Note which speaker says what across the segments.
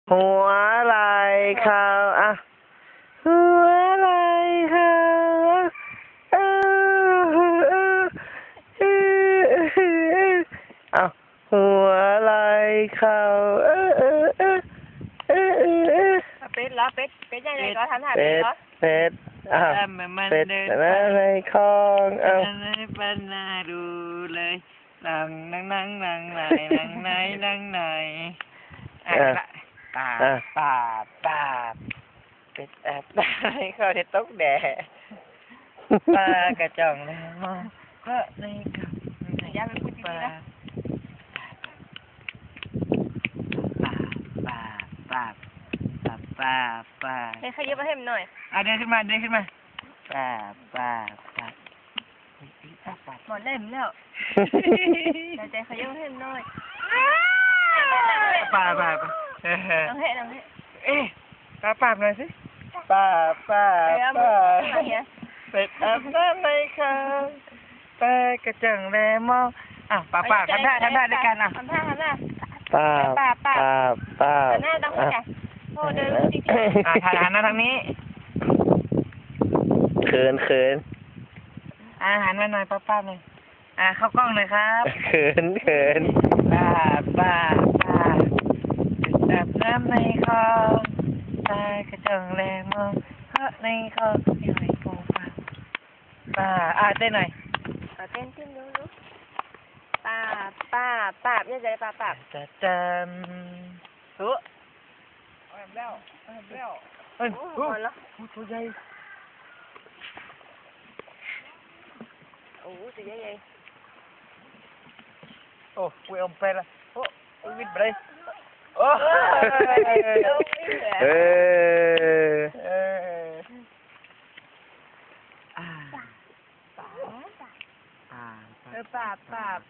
Speaker 1: หัวไหล่เขาอ่ะหัวไหล่เขาเออเอาหัวไหล่เขา
Speaker 2: เป็ดเหรอเป็ดยังไงก็ทำท่าเป็
Speaker 1: เป็
Speaker 2: ด
Speaker 1: ด
Speaker 2: เหรอ
Speaker 1: เป็ดอ้าวเป็ดในคลองเอา
Speaker 3: ปันนาดูเลยนั่งนั่งนั่งนั่งไหนนั่งไหนนั่งไหนตาตาตาเป็ดแอบได้เขาเด็ดตกแดดปลากระจ่องแล้วมองเพราะในกับย่าเป็นผู้ดีนะปลาปลาปลาปลาปลา
Speaker 2: ให้ขยับมาให้มันหน่อย
Speaker 3: เดินขึ้นมาปลาปลาปลา
Speaker 2: หมดเล่มแล้วใจขยับมาให้มันหน่อย
Speaker 3: ปลา
Speaker 2: น้องเฮ้น้องเฮ้
Speaker 3: เอ๊ะปลาหน่อยสิปลาเป็ดอาบน้ำในคลองปลากระจังแลมองปลาทำท่าด้วยกัน
Speaker 2: ทำท่า
Speaker 1: ป้า
Speaker 2: หน้าต้องให้กันโอ้เดินจริงๆ
Speaker 3: ถ่ายหันหน้าทางนี้
Speaker 1: เขิน
Speaker 3: หันมาหน่อยป้าหน่อยเข้ากล้องเลยครับ
Speaker 1: เขิน
Speaker 3: ปลาเป็ดอาบน้ำในคลองปลากระจังแลมองเพราะในคลองมีหอยปูปลาเต้นหน่อย
Speaker 2: เต้นดูป้าบเนี่ยใจป้าบ
Speaker 3: จะจำตัวแล้วเฮ้ย
Speaker 2: หมดแล้ว
Speaker 3: ตัวใหญ่
Speaker 2: โอ้ตัวใหญ่
Speaker 3: โอ้กูเอาไปละโอ้วิดไปเลยโอ้
Speaker 2: ป้าบ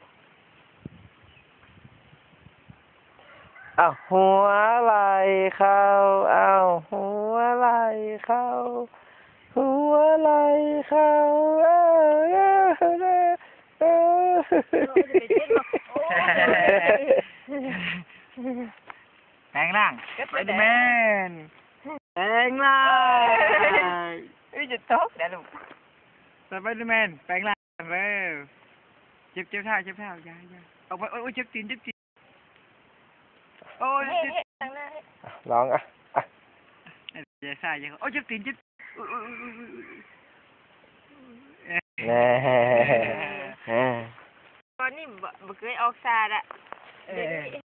Speaker 1: เอาหัวไหล่เขาเอาหัวไหล่เขาหัวไหล่เขา
Speaker 3: แปลงร่างไปดูแมนแปลงร่าง
Speaker 2: จะตกเดี๋ยวลูก
Speaker 3: สไปเดอร์แมนแปลงร่างเร็วเจ็บเท้าอย่าเอาไปโอ้ยเจ็บตีนโอ้ย
Speaker 2: ทางหน้าให้
Speaker 1: ลองอ่ะ
Speaker 3: อย่าซ่าอย่าโอ้ยเจ็บตีน
Speaker 1: แน่
Speaker 2: ตอนนี้บ่เคยออกซาดอะ